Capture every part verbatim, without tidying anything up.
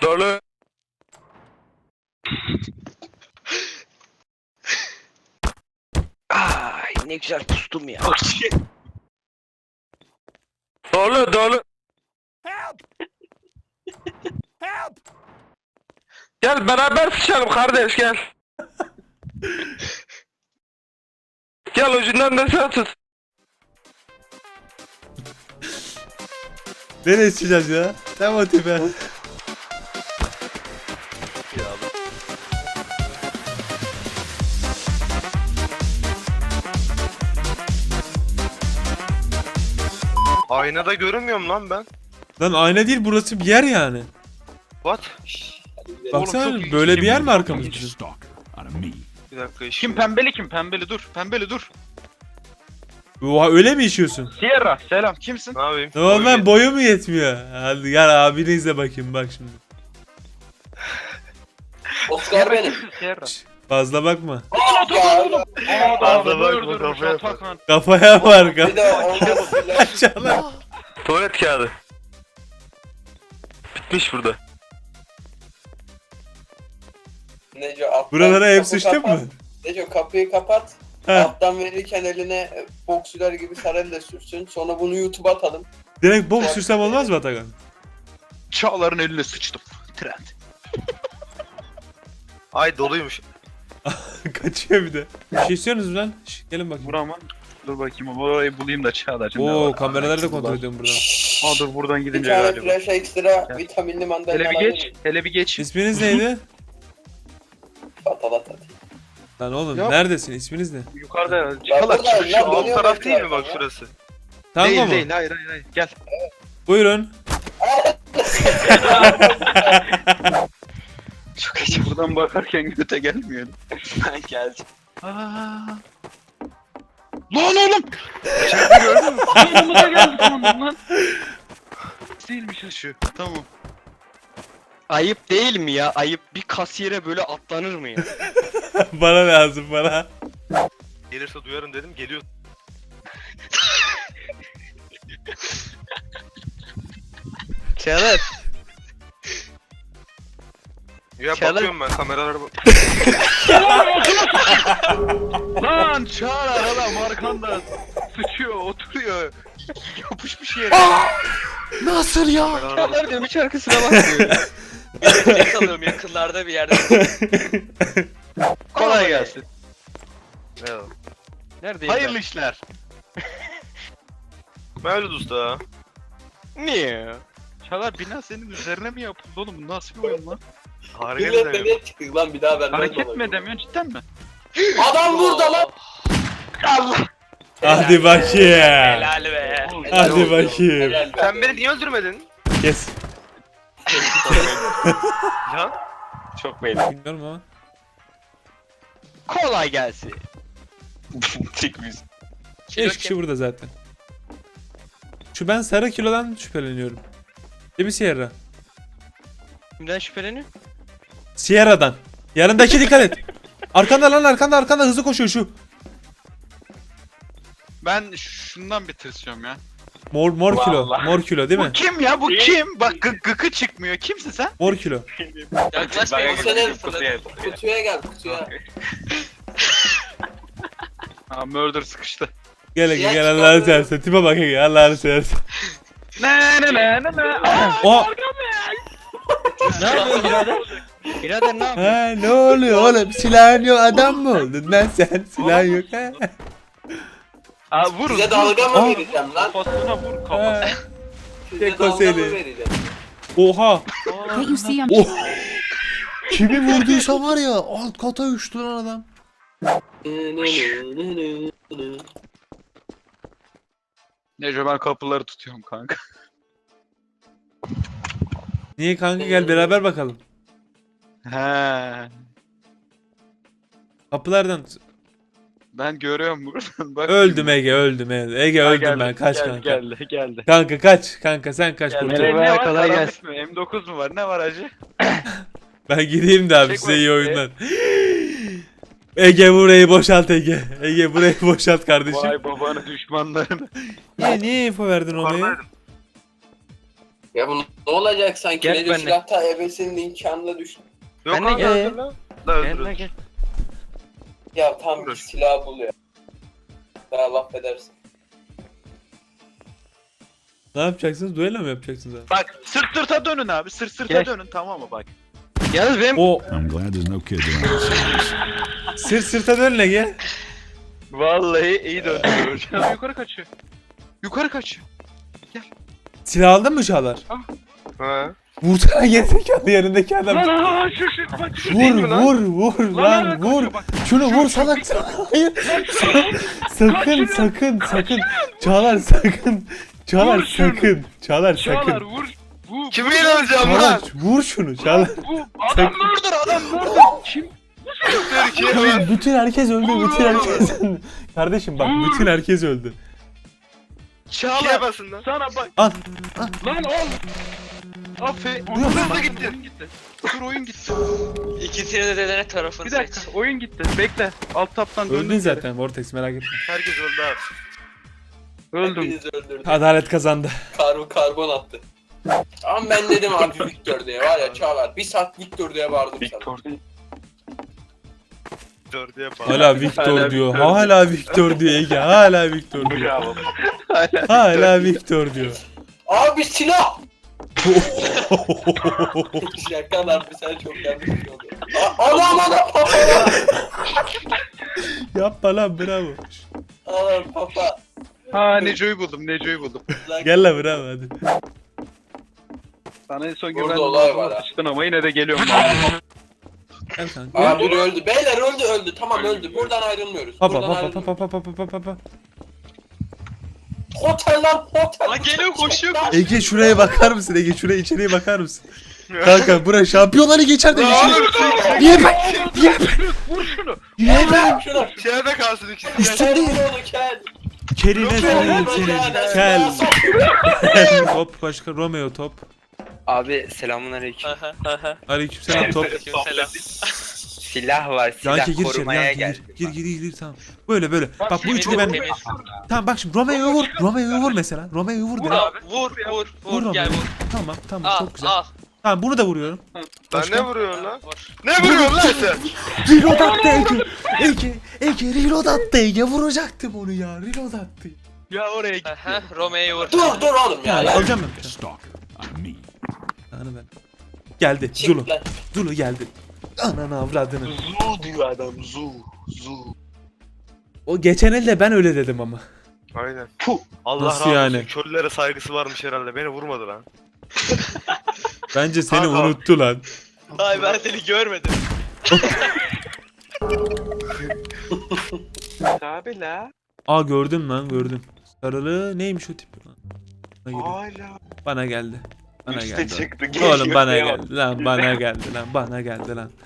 Dolu. Ay ne güzel pustum ya. Dolu dolu. Gel beraber sıçalım kardeş gel. Gel ucundan da sen tut. Nereye çıkacağız ya? Tam o tipe. Aynada görünmüyorum lan ben. Lan ayna değil, burası bir yer yani. What? Baksana çok ilginç böyle şey bir yer bu. mi arkamız bizim? Bir dakika işim. Kim pembeli kim pembeli dur pembeli dur. Oha, öyle mi işiyorsun? Sierra selam kimsin? Ne yapayım? Normal boyu mu yetmiyor? Hadi gel abini izle bakayım bak şimdi. Oscar benim. Sierra. Fazla bakma. Ya, Fazla bakma, kafaya bak. Kafaya var bir kafa. de olmaz bile. Aşağılar. Tuvalet kağıdı. Bitmiş burada. Neco alttan Buralara hep kapı sıçtın kapat. mı? Neco kapıyı kapat. Heh. Alttan verirken eline boksüler gibi sarayla sürsün. Sonra bunu YouTube'a atalım. Direkt boks sürsem olmaz mı Atakan? Çağlar'ın eline sıçtım. Trend. Ay doluymuş. Kaçıyor bir de. Bir şey istiyorsunuz lan? Şş, gelin bakayım. Buramın. Dur bakayım orayı bulayım da Çağlar'cığım. Oo, kameraları da kontrol ediyorum buradan. Aa dur buradan Bir gidince tane galiba. flash ekstra Gel. vitaminli mandalina Hele bir geç. Hele bir geç. İsminiz neydi? Patalat atayım. Lan oğlum Yok. neredesin? İsminiz ne? Yukarıda. Çağlar burada, çık ya, şu bu alt ne taraf. Taraf değil mi etrafı bak ya? şurası? Tango Değil mu? değil hayır hayır hayır. Gel. Buyurun. Çok acı. Buradan bakarken göte gelmiyor. Ben geldim. Aa. Lan oğlum! İçeride gördün mü? Yanımıza geldi sandım lan. Değilmiş ha şu. Tamam. Ayıp değil mi ya? Ayıp bir kasiyere böyle atlanır mı ya? Bana lazım bana. Gelirse duyarım dedim geliyor. Çağlar. Ya Çalın. bakıyorum ben kameralara bak. Lan Çağlar adam arkanda sıçıyor, oturuyor. Yapışmış yere. Nasıl ya? Kameralara bak. Çağlar diyorum hiç arkasına bakmıyor. Ben kalıyorum yakınlarda bir yerde. Kolay gelsin. Ne o? Neredeyim Hayırlı işler. Mevlüt usta. ben? Niye? Çağlar bina senin üzerine mi yapıldı oğlum? Bu nasıl bir oyun lan? Harika Millet demiyorum. nereye çıktık lan bir daha ben Hareket mi edemiyorsun cidden mi? Adam burada lan. Allah! Hadi bakayım. Helal be. Hadi Helal olsun. bakayım. Helal be. Sen beni niye öldürmedin? Kes. Can? Çok belli. Bilmiyorum ama. Kolay gelsin. Tek müzik. Beş kişi burada zaten. Şu ben sarı kilodan şüpheleniyorum. Değil mi Sierra? Kimden şüpheleniyor? Sierra'dan. Yanındaki dikkat et. Arkanda lan arkanda arkanda hızlı koşuyor şu. Ben şundan bir tırsıyorum ya. Mor mor kilo. Vallahi. Mor kilo değil mi? Bu kim ya? Bu kim? Bak gı gıkı çıkmıyor. Kimsin sen? Mor kilo. Yaklaşmayın. Bu senin kutuya gel kutuya. Aa murder sıkıştı. Gel Ege Ya gel çıkar Allah'ını mı? seversen. Tipe bak Ege Allah'ını seversen. Ne ne ne ne ne. Aa, Oha. Ne yapıyorsun birader? Birader ne yapıyorsun? Ha ne oluyor oğlum? Silahın yok adam mı oldun lan sen? Silahın yok ha? Aa vur. Size vur. dalga mı Aa. vereceğim lan? Kafasına vur Ha. kafasına. Size Tek o dalga seni. mı vereceğim? Oha. Can't you see I'm Oh. Kimi vurduysa var ya alt kata uçtu lan adam. Nece ben kapıları tutuyorum kanka. Niye kanka gel beraber bakalım. He. Kapılardan tut- Ben görüyorum buradan. Bak. öldüm Ege öldüm Ege. Ege Ha, öldüm geldi, ben kaç geldi, kanka. Geldi geldi. Kanka kaç kanka sen kaç Geldi. kurtul. Nereye? Ne var? kolay Karanlık gelsin. mı? M dokuz mu var? Ne var acı? Ben gideyim de abi Çek size iyi bak. oyunlar. Ege burayı boşalt Ege. Ege burayı boşalt kardeşim. Vay babanı düşmanlarını. Niye niye info verdin ona ya? Yukarıdaydım. Ya bu ne olacak sanki? Gel Ne diyor benimle. silahta ebesinin imkanına düştü. Yok Ben de abi gel. öldür lan. La Gel öldür. lan gel. Ya tam bir Dur. silah bul ya. Daha laf edersin. Ne yapacaksınız? Duello mu yapacaksınız abi? Bak sırt sırta dönün abi. Sırt sırta Gel. dönün tamam mı bak. Yalnız benim O I'm glad there's no kids around to see this. sırt sırta dönle gel. Vallahi iyi döndü. Adam yukarı kaçıyor. Yukarı kaçıyor. Silah aldın mı Çağlar? Ha. Vursana gerizekalı yanındaki adam. Lan lan lan şu şu bak şu. değil Vur mi lan? vur vur Lan, lan lan, vur. kaçıyor bak. Şunu vur salak salak. Hayır. Sakın sakın sakın. Çağlar sakın. Çağlar Vur şunu. sakın. Çağlar Çağlar sakın. vur. Bu Kimi inanacağım Çağlar lan? vur şunu Çağlar. bu adam Sakın. murder adam murder. Kim? Türkiye lan. Hayır, bütün herkes öldü. Bütün herkes öldü. Kardeşim bak bütün herkes öldü. İkiye Çağlar basın lan. sana bak. Al. Lan ol. Afe. Duyuyor musun? Oyun gitti. Oyun gitti. Dur oyun gitti. İkisini de dedene tarafını Bir dakika oyun gitti. Bekle. Alt taptan döndüm. Öldün zaten Vortex merak etme. Herkes öldü abi. Öldüm. Hepinizi öldürdü. Adalet kazandı. Karbon karbon attı. Ama ben dedim abi Victor diye var ya Çağlar. Bir saat Victor diye bağırdım sana. Victor değil. Dör diye bağır. Hala Victor Hala diyor. Victor. Hala Victor diyor Ege. Hala Victor diyor. Bravo. Hala Victor diyor. Abi silah! Şaka lan bir sen çok yanlış bir şey oldu. A- Anam anam papa! Yapma lan bravo. Anam papa! Ha Neco'yu buldum. Neco'yu buldum. Gel lan bravo hadi. Sana en son Burada güvendim. olay var ha. Sıçtın ama yine de geliyorum. Gel kanka. Abi biri öldü. Beyler öldü öldü. Tamam öldü. Buradan ayrılmıyoruz. Hapa Buradan hapa ayrılmıyoruz. hapa hapa hapa hapa hapa. Otel lan otel. Lan geliyor, koşuyor, Lan. Ege şuraya bakar mısın Ege şuraya içeriye bakar mısın? Kanka bura şampiyonları geçer de geçer. Niye ben? Niye ben? Vur şunu. Niye ben? Şunu. İçeride kalsın ikisi. Üstünde. Kel onu kel. Kerine sorayım Kel, seni. kel. Kel. Top başka Romeo top. Abi selamünaleyküm. Aleykümselam top. Selam. Silah var, silah Yankı gir içeri. korumaya Yankı geldim. gir. Gir gir gir tamam. Böyle böyle. Bak bu üçlü ben. Temiz. Tamam bak şimdi Romeo'yu vur. Romeo'yu vur mesela. Romeo'yu vur. Vur de. abi. Vur vur Vur vur. Gel Romeo'yu. vur. Tamam tamam Al çok güzel. al. Tamam bunu da vuruyorum. Lan Başka? ne vuruyorsun lan? Vur. Ne vuruyorsun lan sen? Reload attı Ege. Ege. Ege reload attı Ege. Vuracaktım onu ya. Reload attı. Ya oraya git. Aha, Romeo'yu vur. Dur dur oğlum ya. Ya ya. alacağım ben. Stalker. I'm me. Ananı ben. Geldi. Zulu. Çık lan. Zulu geldi. Ananı avradını. Zu diyor adam. Zu. Zu. O geçen elde ben öyle dedim ama. Aynen. Puh. Allah Nasıl razı olsun. yani? Köylülere saygısı varmış herhalde. Beni vurmadı lan. Bence seni Kanka. unuttu lan. Ay ben seni görmedim. Abi la. Aa gördüm lan gördüm. Sarılı neymiş o tip lan? Bana, geliyor. Hala. Bana geldi. Bana Üste geldi. çıktı. Oğlum bana Geliyor. geldi lan bana geldi lan bana geldi lan.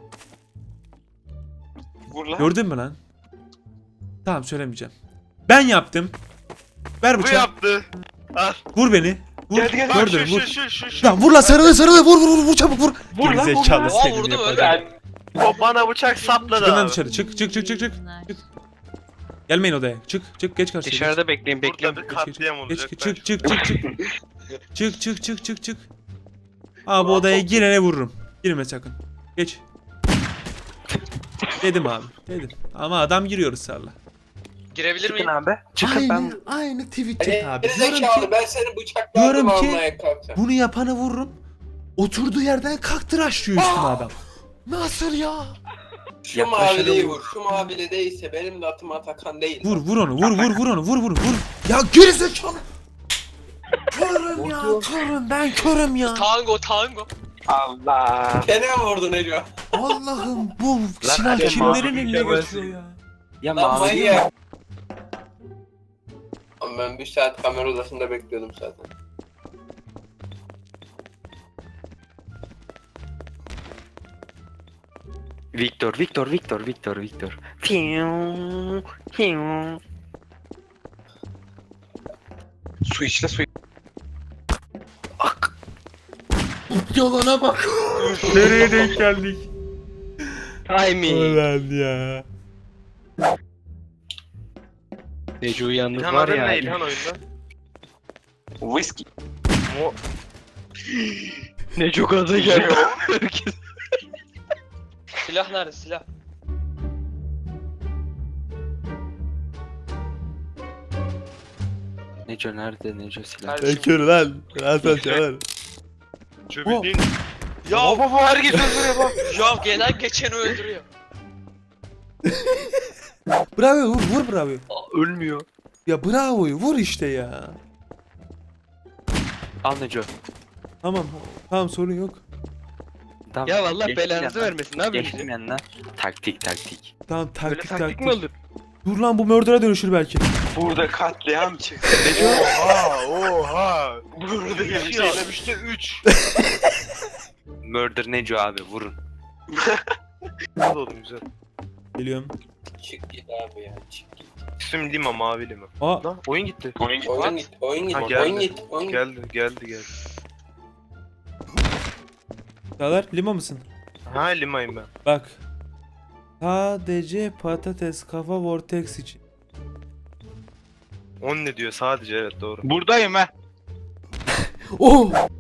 Vur lan. Gördün mü lan? Tamam söylemeyeceğim. Ben yaptım. Ver Bu bıçağı. yaptı. Al. Vur beni. Vur. Geldi, geldi. Bak Gördün şu vur. şu şu şu şu. Lan vur lan sarılı sarılı vur vur vur vur çabuk vur. Vur lan, vur Gerizekalı lan. Aa, senin vurdum, yapacağın. O bana bıçak sapladı Çıkın lan abi. dışarı çık çık çık çık çık. Çık. Gelmeyin odaya. Çık çık geç karşıya. geç. Dışarıda bekleyin bekleyin. Burada bir Geç, geç, katliam geç, olacak. Çık çık çık çık çık. Çık çık çık çık çık. Abi odaya girene vururum. Girme sakın. Geç. Dedim abi. Dedim. Ama adam giriyor ısrarla. Girebilir miyim? abi. Aynı, aynı tweet çek abi. Diyorum Gerizekalı ki ben seni bıçaklardım Diyorum ki- almaya kalkacağım. bunu yapanı vururum. Oturduğu yerden kaktıraşlıyor üstüme adam. Nasıl ya? Şu maviliyi vur. Şu mavili değilse benim de atım Atakan değil. Vur vur onu vur vur vur onu vur vur vur. Ya gerizekalı. Körüm ya körüm ben körüm ya. Tango tango. Allah. Kene vurdu Neco. Allah'ım bu silah hadi kimlerin mavi eline bir geçiyor ya. Ya Lan mavi manyak. Ama ben bir saat kamera odasında bekliyordum zaten. Victor, Victor, Victor, Victor, Victor. Fiu, fiu. Su içle su. Yalana bak. Nereye denk geldik? Timing. Ulan ya. Necu yalnız İlhan var adın ya. ne İlhan oyunda? Whisky. Mo Ne çok aza geldi. Herkes. Silah nerede silah? Neco nerede? Neco silah. Kardeşim. Bekir lan. Hasan Şavar. Şu bildiğin... Ya baba bu herkes öldürüyor bak. Ya gelen geçeni öldürüyor. Bravo vur vur bravo. Ölmüyor. Ya bravo'yu vur işte ya. Al Neco. Tamam. Tamam sorun yok. Tamam. Ya vallahi geçtim belanızı yanına. vermesin. Ne yapıyorsun? Geçtim yanına. Taktik taktik. Tamam Böyle taktik taktik taktik. mi olur? Dur lan bu murder'a dönüşür belki. Burada katliam çıktı. Oha oha. Burada Bir bir şey şey. alamıştı üç. Murder Neco abi vurun. Güzel oldu güzel. Geliyorum. Çık git abi ya. Çık git. İsim Lima mavi Lima. Aa Lan oyun gitti. Oyun gitti. Oyun git. Oyun git. Ha, Oyun geldi. git. Oyun git. Geldi geldi geldi. Çağlar lima mısın? Ha Lima'yım ben. Bak. Sadece patates kafa vortex için. On ne diyor sadece evet doğru. Buradayım ha. Oh!